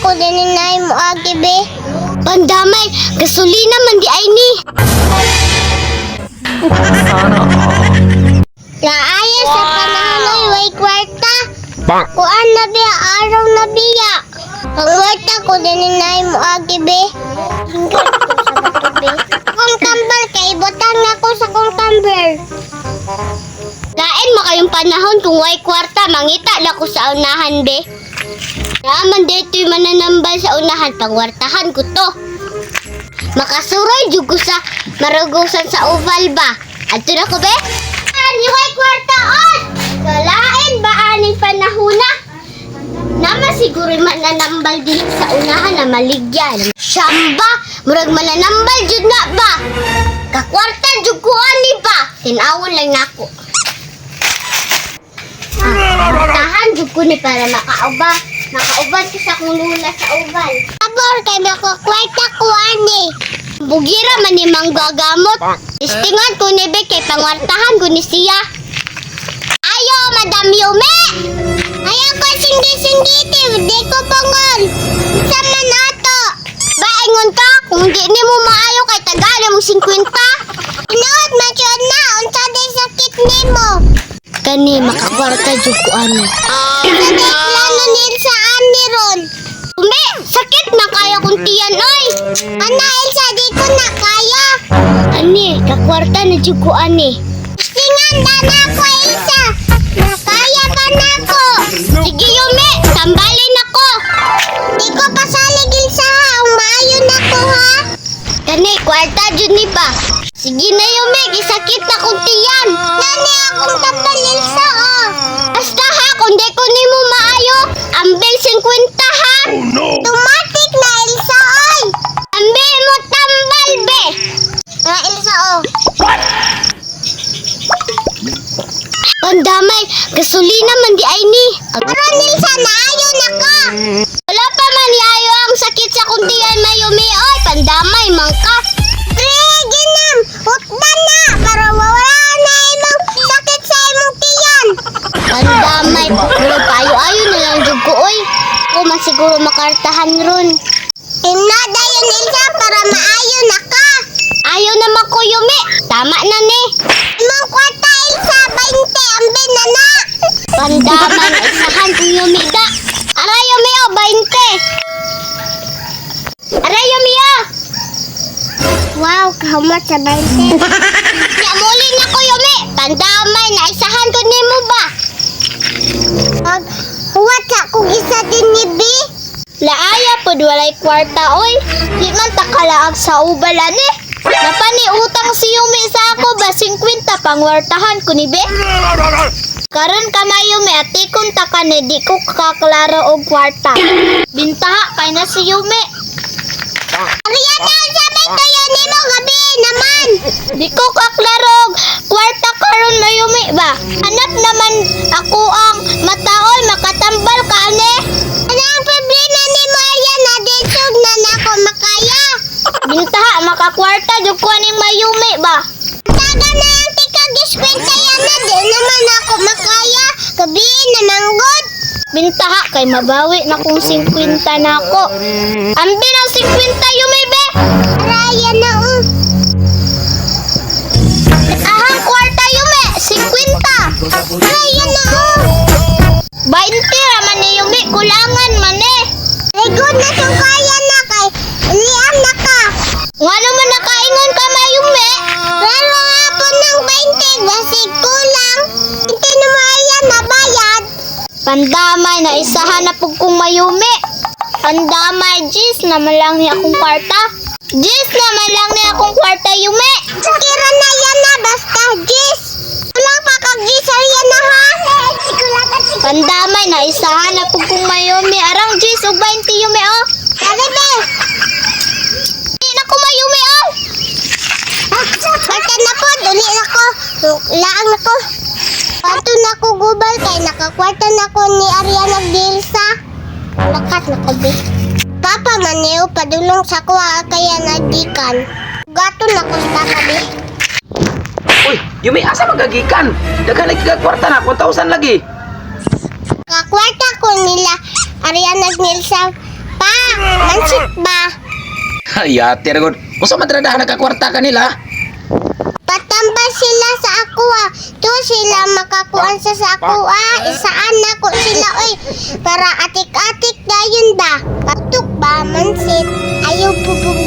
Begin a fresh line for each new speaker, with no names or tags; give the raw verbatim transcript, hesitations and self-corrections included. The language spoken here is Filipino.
ko din inay mo agi be. Pandamay, gasolina man di ay ni. Laaya sa panahon ay way kwarta. Kuan na biya, araw na biya. Ang kwarta ko din inay mo agi be. Hingkat ko sa bato be. Kung kambal kay butang ako sa kong kambal. Lain mo kayong panahon kung way kwarta, mangita na ko sa unahan be. Naman dito'y mananambal sa unahan, pangwartahan ko to. Makasuroy jud ko sa marugusan sa oval ba. Adto na ko be. Ani way kwarta on. Kalain ba aning panahona? Naman siguro mananambal din sa unahan na maligyan. Siyamba, murag mananambal jud na ba? Kakwarta jud ko ani ba? Tinawon lang nako. Tahan jud ko ni para makauba. Makauban ko sa kong lula sa oval. Abor kay makakwarta ko ani. Bugira man ni manggagamot. Istingan ko ni be kay pangwartahan ko ni siya. Ayo, Madam Yume! Ayaw ko singgi-singgiti, di ko pangon. Sama na to. Baingon ka, kung di ni mo maayo kay tagala mo singkwenta. Inood, masyod na, unsa day sakit ni mo. Kani, makakwarta jud ko ani. Sa day plano nil sa ani ron. Ume, sakit na kaya kong tiyan, oy. Ana, Elsa, di ko na kaya. Ani, kakwarta na jud ko ani. Singan na na ko, Elsa. Nakaya pa na ko. Sige, Yume, sambalin ako. Di ko pasalig, Elsa, ha. Umayon na ko, ha. Kani, kwarta jud ni ba? Sige na, Yume, gisakit na kong tiyan. Nani akong tapal, Elsa, oh. Basta ha, kung di ko ni mo maayo, ambil singkwenta, ha.
Oh no!
Tumatik na, Elsa, oy. Ambil mo tambal, be. Ah, Elsa, oh. Pandamay, gasolina man di ay ni. Aron, Elsa, naayo na ka. Wala pa man yayo ang sakit sa kuntiyan na Yume, oy. Pandamay, mangka. Pre, ginam, hutdan na. Para wala na imong sakit sa imong tiyan. Pandamay, pero payo-ayo na lang jud ko, oy. Ako man siguro makartahan ron. Inada yun, Elsa, para maayo na ka. Ayaw naman ko, Yume. Tama na ni. Imong kwarta, Elsa, bainte, ambil na na. Pandaman, isahan ko, Yume, da. Aray, Yume, oh, bainte. Aray, Yume, oh. Wow, kahamat sa bainte. Yamuli na ko, Yume. Pandamay, naisahan ko ni mo ba? Pag huwat sa kong isa din ni B. Laaya pod walay kwarta, oy. Di man takalaag sa ubalan eh. Napani utang si Yume sa ako ba singkwenta pangwartahan ko ni be. Karon ka na Yume at ikon ta ka ni di ko kaklaro og kwarta. Bintaha kay na si Yume. Ariana, sabi kayo ni mo gabi naman. Di ko kaklaro og kwarta karon na Yume ba. Hanap naman ako ang mataol makatambal ka ane. Ano ang problema ni mo Ariana? Desog na nako makaya. Bintaha, makakwarta, jud ko ning mayumi ba? Taga na ang tika-giskwenta yan na, di naman ako makaya. Gabiin na manggod. Bintaha, kay mabawi na kung singkwenta na ako. Ambi ng singkwenta yumi, be. Araya na, um. Ahang kwarta yumi, singkwenta. Araya na, um. Bainte raman ni yumi, kulangan man eh. Ay, good na siyang kaya na kay liam na ka. Nga naman nakaingon ka mayume. Pero hapon ng bainte, basig kulang. Hindi na maya nabayad. Pandamay na isahan na po kong mayume. Pandamay, Jis, naman lang niya akong kwarta. Jis, naman lang niya akong kwarta, yume. Kira na yan na, basta, Jis. Walang pa kag-Jis, yan na ha. Pandamay na isahan na po kong mayume. Arang Jis, o bainte yume, oh. Sabi, be. Hindi na ko mayume, oh. Kwarta na po, duli na ko. Laang na ko. Pato na ko gubal kay nakakwarta na ko ni Ariana Dilsa. Lakat na ko, be. Papa maniw, padulong sa kuha kaya nagdikan. Gato na ko sa papa, be.
Uy, Yume, asa magagikan? Daghan lagi ka kwarta na, one thousand lagi.
Kakwarta ko nila Ariana Dilsa. Pa, Mansit ba?
Hayate ra gud. Usa man tradahan nagkakwarta kanila?
Patambal sila sa ako ah. To sila makakuan sa sa ako ah. Isaan na ko sila oy. Para atik-atik dayon ba. Patuk ba mansit. Ayaw bubog